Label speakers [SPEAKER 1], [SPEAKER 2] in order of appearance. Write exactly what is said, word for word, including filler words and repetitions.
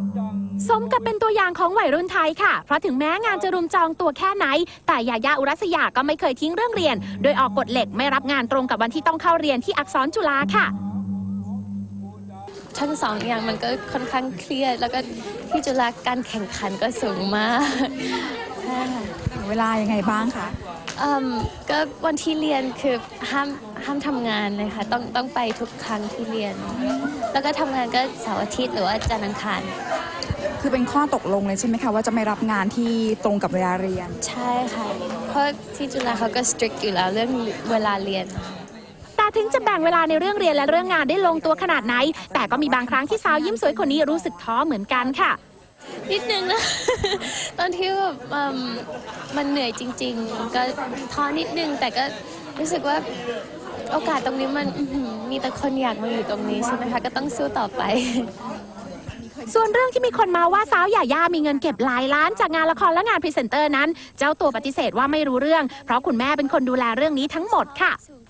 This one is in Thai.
[SPEAKER 1] สมกับเป็นตัวอย่างของวัยรุ่นไทยค่ะเพราะถึงแม้งานจะรุมจองตัวแค่ไหนแต่ยายาอุรัสยาก็ไม่เคยทิ้งเรื่องเรียนโดยออกกฎเหล็กไม่รับงานตรงกับวันที่ต้องเข้าเรียนที่อักษรจุฬาค่ะ
[SPEAKER 2] ทั้งสองอย่างมันก็ค่อนข้างเครียดแล้วก็ที่จุฬาการแข่งขันก็สูงมาก
[SPEAKER 3] เวลายังไงบ้างคะ
[SPEAKER 2] ก็วันที่เรียนคือห้ามห้ามทำงานเลยค่ะต้องต้องไปทุกครั้งที่เรียนแล้วก็ทำงานก็เสาร์อาทิตย์หรือว่าจันทร์อังคาร
[SPEAKER 3] คือเป็นข้อตกลงเลยใช่ไหมคะว่าจะไม่รับงานที่ตรงกับเวลาเรียน
[SPEAKER 2] ใช่ค่ะเพราะที่จุฬาเขาก็ strict อยู่แล้วเรื่องเวลาเรียน
[SPEAKER 1] แต่ถึงจะแบ่งเวลาในเรื่องเรียนและเรื่องงานได้ลงตัวขนาดไหนแต่ก็มีบางครั้งที่สาวยิ้มสวยคนนี้รู้สึกท้อเหมือนกันค่ะ
[SPEAKER 2] นิดนึงนะ ตอนที่แบบมันเหนื่อยจริงๆก็ท้อนิดนึงแต่ก็รู้สึกว่าโอกาสตรงนี้มันมีแต่คนอยากมาอยู่ตรงนี้ใช่ไหมคะก็ต้องสู้ต่อไป
[SPEAKER 1] ส่วนเรื่องที่มีคนมาว่าสาวหย่าย่ามีเงินเก็บหลายล้านจากงานละครและงานพรีเซนเตอร์นั้นเจ้าตัวปฏิเสธว่าไม่รู้เรื่องเพราะคุณแม่เป็นคนดูแลเรื่องนี้ทั้งหมดค่ะ